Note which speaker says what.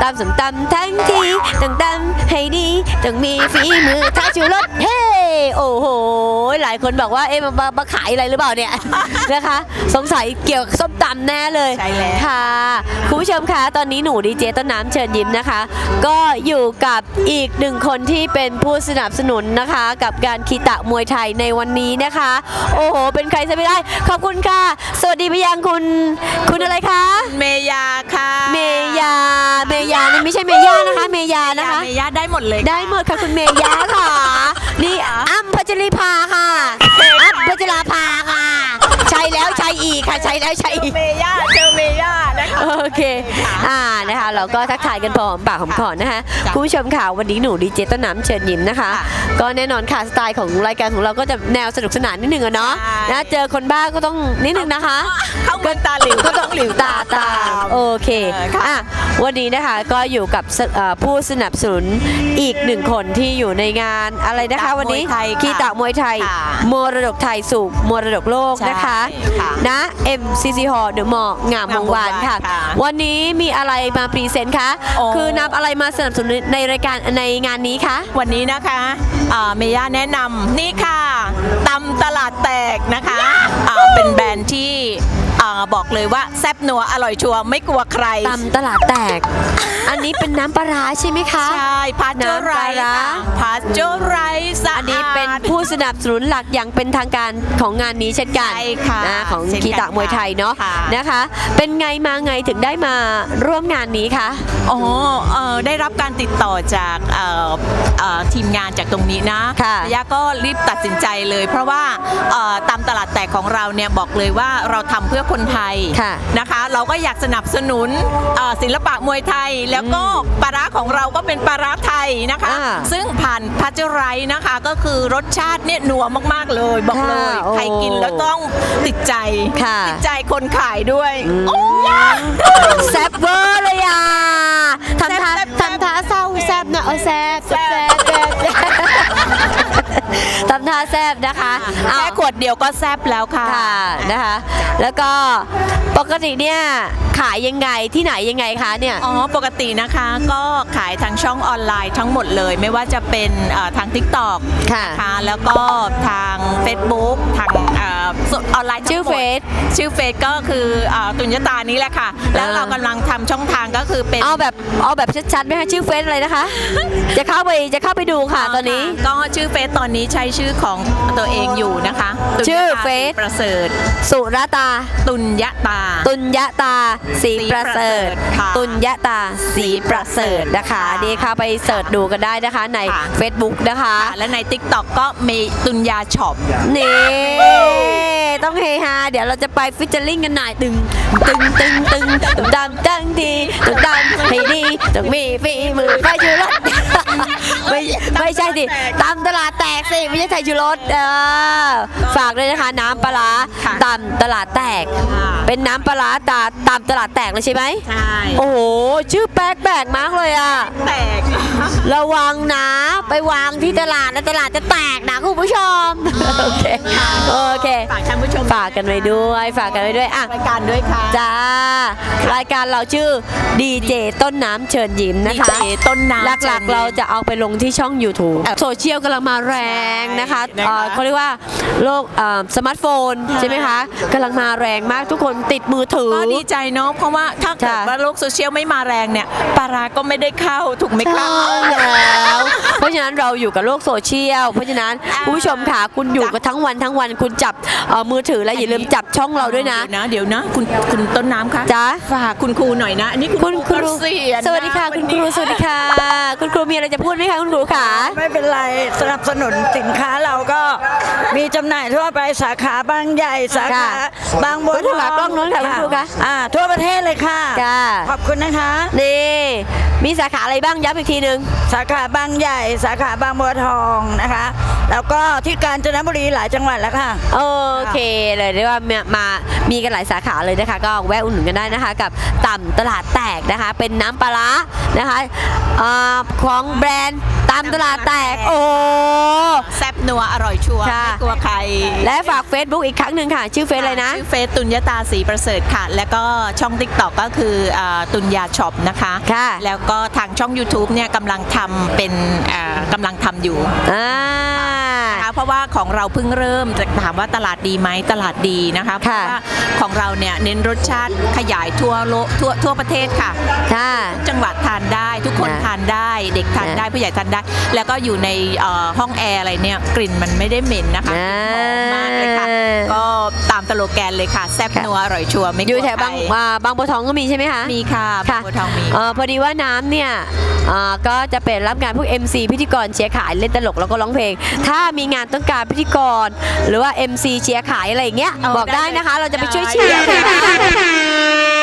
Speaker 1: ำส้มตำทั้งทีต้องตำให้ดีต้องมีฝีมือท้าชูรสเฮ้โอ้โหหลายคนบอกว่าเอ๊ะมาขายอะไรหรือเปล่าเนี่ย นะคะสงสัยเกี่ยวกับส้มตำแน่เลย
Speaker 2: ใช่แล้ว
Speaker 1: ค่ะคุณผู้ชมคะตอนนี้หนูดีเจต้นน้ำเชิญยิ้มนะคะก็อยู่กับอีกหนึ่งคนที่เป็นผู้สนับสนุนนะคะกับการคีตะมวยไทยในวันนี้นะคะโอ้โหเป็นใครจะไม่ได้ขอบคุณค่ะสวัสดีไปยังคุณอะไรคะ
Speaker 2: เมยาค่ะ
Speaker 1: เมยานี่ไม่ใช่เมย่านะคะเมยานะคะ
Speaker 2: เมยาได้หมดเลย
Speaker 1: ได้หมดค่ะคุณเมย่าค่ะนี่อ้ำพัชริภาค่ะอ้ำพัชราภาค่ะใช่แล้วใช่อีกค่ะใช่แล้วใช่อีก
Speaker 2: เจอเมย่านะคะ
Speaker 1: โอเคนะคะเราก็ทักทายกันพอหอมปากหอมคอนะคะคุณผู้ชมค่ะวันนี้หนูดีเจต้นน้ำเชิญยิ้มนะคะก็แน่นอนค่ะสไตล์ของรายการของเราก็จะแนวสนุกสนานนิดนึงอะเนาะนะเจอคนบ้าก็ต้องนิดนึงนะคะ
Speaker 2: ก็ตาหลิว
Speaker 1: ก็ต้องหลิวตาตามโอเควันนี้นะคะก็อยู่กับผู้สนับสนุนอีกหนึ่งคนที่อยู่ในงานอะไรนะคะวันนี้คีตะมวยไทยมรดกไทยสู่มรดกโลกนะคะนะ MCC Hall เดอะมอลล์งามวงวานค่ะวันนี้มีอะไรมาพรีเซนต์คะคือนำอะไรมาสนับสนุนในรายการในงานนี้คะ
Speaker 2: วันนี้นะคะเมย่าแนะนำนี่ค่ะตำตลาดแตกนะคะเป็นแบรนด์ที่บอกเลยว่าแซ่บนัวอร่อยชัวร์ไม่กลัวใคร
Speaker 1: ตำตลาดแตกอันนี้เป็นน้ำปลาร้าใช่ไหมคะ
Speaker 2: ใช่พาสเจอร์ไรส์พาสเจอร์ไรส์
Speaker 1: อันนี้เป็นผู้สนับสนุนหลักอย่างเป็นทางการของงานนี้เช่นกันนะของคีตะมวยไทยเนาะนะคะเป็นไงมาไงถึงได้มาร่วมงานนี้คะ
Speaker 2: อ๋อได้รับการติดต่อจากทีมงานจากตรงนี้นะย่าก็รีบตัดสินใจเลยเพราะว่าตามตลาดแตกของเราเนี่ยบอกเลยว่าเราทำเพื่อคนไทยนะคะเราก็อยากสนับสนุนศิลปะมวยไทยแล้วก็ปลาร้าของเราก็เป็นปลาร้าไทยนะคะซึ่งผ่านพัชไรนะคะก็คือรสชาติเนี่ยนัวมากๆเลยบอกเลยใครกินแล้วต้องติดใจคนขายด้วย
Speaker 1: แซ่บเวอร์เลยอ่ะทำท่าเศร้าแซ่บนะแซ่บทำท่าแซ่บนะคะ
Speaker 2: แค่ขวดเดียวก็แซ่บแล้วค่ะ
Speaker 1: นะคะแล้วก็ปกติเนี่ยขายยังไงที่ไหนยังไงคะเนี่ย
Speaker 2: ปกตินะคะก็ขายทางช่องออนไลน์ทั้งหมดเลยไม่ว่าจะเป็นทาง TikTok นะคะแล้วก็ทาง Facebook ทางออนไลน์
Speaker 1: ชื่อเฟซ
Speaker 2: ก็คือตุญญตานี้แหละค่ะแล้วเรากำลังทำช่องทางก็คือเป็น
Speaker 1: เอาแบบชัดๆไหมคะชื่อเฟซอะไรนะคะ จะเข้าไปดูค่ะตอนนี้
Speaker 2: ก็ชื่อเฟซตอนนี้ใช้ชื่อของตัวเองอยู่นะคะ
Speaker 1: ชื่อเฟซ
Speaker 2: ประเสริฐ
Speaker 1: สุรตา
Speaker 2: ตุญญตา
Speaker 1: ศรีประเสริฐตุญญตาศรีประเสริฐนะคะดีค่ะไปเสิร์ชดูกันได้นะคะใน Facebook นะคะ
Speaker 2: และใน TikTok ก็มีตุญญาช็อป
Speaker 1: นี่ต้องเฮฮาเดี๋ยวเราจะไปฟิชเจอริ่งกันหน่อยตึงดำตั้งทีดำให้ดีต้องมีฝีมือไฟชูรสไม่ใช่สิตำตลาดแตกสิไม่ใช่ไทยชูรสฝากเลยนะคะน้ำปลาตำตลาดแตกเป็นน้ำปลาตำตลาดแตกเลยใช่ไหม
Speaker 2: ใช่
Speaker 1: โอ้โหชื่อแปลกมากเลยอ่ะ
Speaker 2: แตก
Speaker 1: ระวังนะไปวางที่ตลาดแล้วตลาดจะแตกนะคุณผู้ชมโอเค
Speaker 2: ฝากท่านผู้ชม
Speaker 1: ฝากกันไว้ด้วย
Speaker 2: รายการด้วยค่ะ
Speaker 1: จ้ารายการเราชื่อดีเจต้นน้ำเชิญยิ้มนะคะ
Speaker 2: ดีเจต้นน้ำ
Speaker 1: หลักๆเราจะเอาไปลงที่ช่อง YouTube โซเชียลกำลังมาแรงนะคะเขาเรียกว่าโลกสมาร์ทโฟนใช่ไหมคะกำลังมาแรงมากทุกคนติดมือถือ
Speaker 2: ก็ดีใจเนาะเพราะว่าถ้าเกิดว่าโลกโซเชียลไม่มาแรงเนี่ยปลาร้าก็ไม่ได้เข้าถูกไหมครับ
Speaker 1: แล้วเพราะฉะนั้นเราอยู่กับโลกโซเชียลเพราะฉะนั้นคุณผู้ชมค่ะคุณอยู่กันทั้งวันคุณจับมือถือแล้วอย่าลืมจับช่องเราด้วยนะ
Speaker 2: เดี๋ยวนะคุณต้นน้ำคะ
Speaker 1: จ้า
Speaker 2: ฝากคุณครูหน่อยนะอันนี้คุณครู
Speaker 1: สวัสดีค่ะคุณครูสวัสดีค่ะคุณครูมีอะไรจะพูดไหมคะคุณครูขา
Speaker 3: ไม่เป็นไรสนับสนุนสินค้าเราก็มีจำหน่ายทั่วไปสาขาบางใหญ่สาขาบางบัวทอง
Speaker 1: กล้องนู้นค่ะคุณครูคะ
Speaker 3: ทั่วประเทศเลยค่ะขอบคุณนะคะ
Speaker 1: นี่มีสาขาอะไรบ้างย้ำอีกทีนึง
Speaker 3: สาขาบางใหญ่สาขาบางบัวทองนะคะแล้วก็ที่กาญจนบุรีหลายจังหวัดแล้วค่ะ
Speaker 1: โอเคเลยเรียกว่ามีกันหลายสาขาเลยนะคะก็แวะอุดหนุนกันได้นะคะกับตำตลาดแตกนะคะเป็นน้ำปลาร้านะคะของแบรนด์ตามตลาดแตกโอ้
Speaker 2: แซ่บนัวอร่อยชัวร์
Speaker 1: ค่ะ
Speaker 2: ไม่กลัวใคร
Speaker 1: และฝาก Facebook อีกครั้งหนึ่งค่ะ ชื่อเฟซอะไรนะ
Speaker 2: ชื่อเฟซตุลยตาศรีประเสริฐค่ะ แล้วก็ช่อง TikTok ก็คือตุลยาช็อปนะคะ
Speaker 1: ค่ะ
Speaker 2: แล้วก็ทางช่อง YouTube เนี่ยกำลังทำเป็นกำลังทำอยู่ นะคะเพราะว่าของเราเพิ่งเริ่มจะถามว่าตลาดดีไหมตลาดดีนะคะเพ
Speaker 1: ค่ะ
Speaker 2: ราะว่าของเราเนี่ยเน้นรสชาติขยายทั่วประเทศค่ะ
Speaker 1: ค่ะ
Speaker 2: จังหวัดทานได้ทุกคน
Speaker 1: ค่ะ
Speaker 2: ทานได้เด็กทานได้ผู้ใหญ่ทานได้ แล้วก็อยู่ในห้องแอร์อะไรเนี่ยกลิ่นมันไม่ได้เหม็นนะคะกลิ่นหอมมากเลยค่ะก็ตามสโลแกนเลยค่ะแซ่บนัวอร่อยชัวร์ไม่กลัว
Speaker 1: อยู่แถว
Speaker 2: ใคร
Speaker 1: บางบัวทองก็มีใช่ไหมคะ
Speaker 2: มีค่ะ
Speaker 1: ค่ะ
Speaker 2: บัวทองมี
Speaker 1: พอดีว่าน้ำเนี่ยก็จะเป็นรับงานพวก MC พิธีกรเชียร์ขายเล่นตลกแล้วก็ร้องเพลง ถ้ามีงานต้องการพิธีกร หรือว่า MC เชียร์ขายอะไรอย่างเงี้ยบอกได้นะคะ เราจะไปช่วยเชียร์